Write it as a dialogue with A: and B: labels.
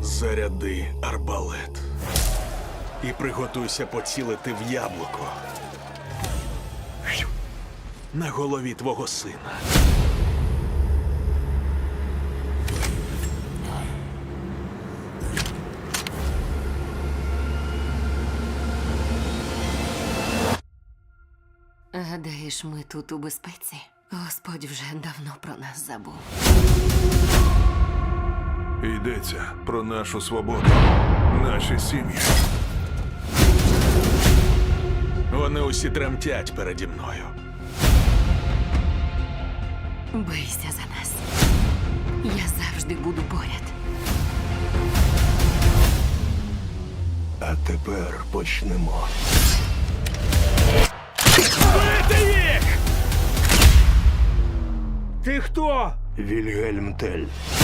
A: Заряди арбалет. І приготуйся поцілити в яблуко. На голові твого сина.
B: Гадаєш, ми тут у безпеці? Господь вже давно про нас забув.
C: Йдеться про нашу свободу, наші сім'ї.
A: Вони усі тремтять переді мною.
B: Бийся за нас. Я завжди буду поряд.
D: А тепер почнемо.
A: Бити їх! Ти хто?
D: Вільгельм Тель.